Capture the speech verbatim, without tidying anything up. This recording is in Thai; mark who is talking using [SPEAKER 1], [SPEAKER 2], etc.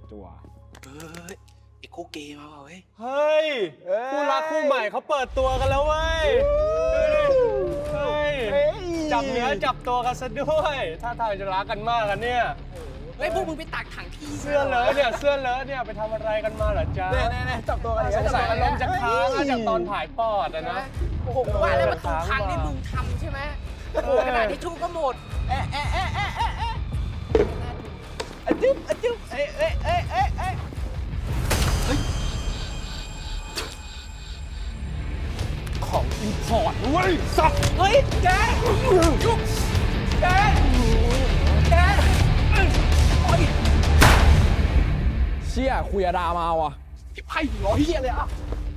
[SPEAKER 1] จั่ว
[SPEAKER 2] เฮ้ยไอ้คู่เกย์มาเปล่าเฮ้ย
[SPEAKER 3] เฮ้ยคู่รักคู่ใหม่เขาเปิดตัวกันแล้วเว้ยดูดิเฮ้ยจับเนื้อจับตัวกันซะด้วยท่าทางจะรักกันมากกันเนี่ย
[SPEAKER 2] เฮ้ยพวกมึงไปตักถังขี้
[SPEAKER 3] เสื้อเลอะเนี่ยเสื้อเลอะเนี่ยไปทำอะไรกันมาเหรอจ๊ะ
[SPEAKER 1] แน่ๆจับตัวกัน
[SPEAKER 3] สงสัยอารมณ์จะค้างอะจากตอนถ่ายปอดอะนะ
[SPEAKER 2] โอ้โหว่าแล้วประตูพังนี่มึงทำใช่ไหมโอ้โหขนาดที่ชูก็หมดเอ๊ะเอ๊ะเอ๊ะเอ๊ะเอ๊ะเอ๊ะ
[SPEAKER 1] อะจึ๊บอะจึ๊บเอ๊ะเอ๊ะเอ๊ะเอ๊ะเอ๊ะของอินพอร์ตเว้ยสัตว์
[SPEAKER 2] เฮ้ยแกยุบแกแกโอ้ย
[SPEAKER 1] เชี่ยคุยอาดามาว่ะ
[SPEAKER 2] ไอ้ไพ่ร้อยเฮียเลยอ่ะ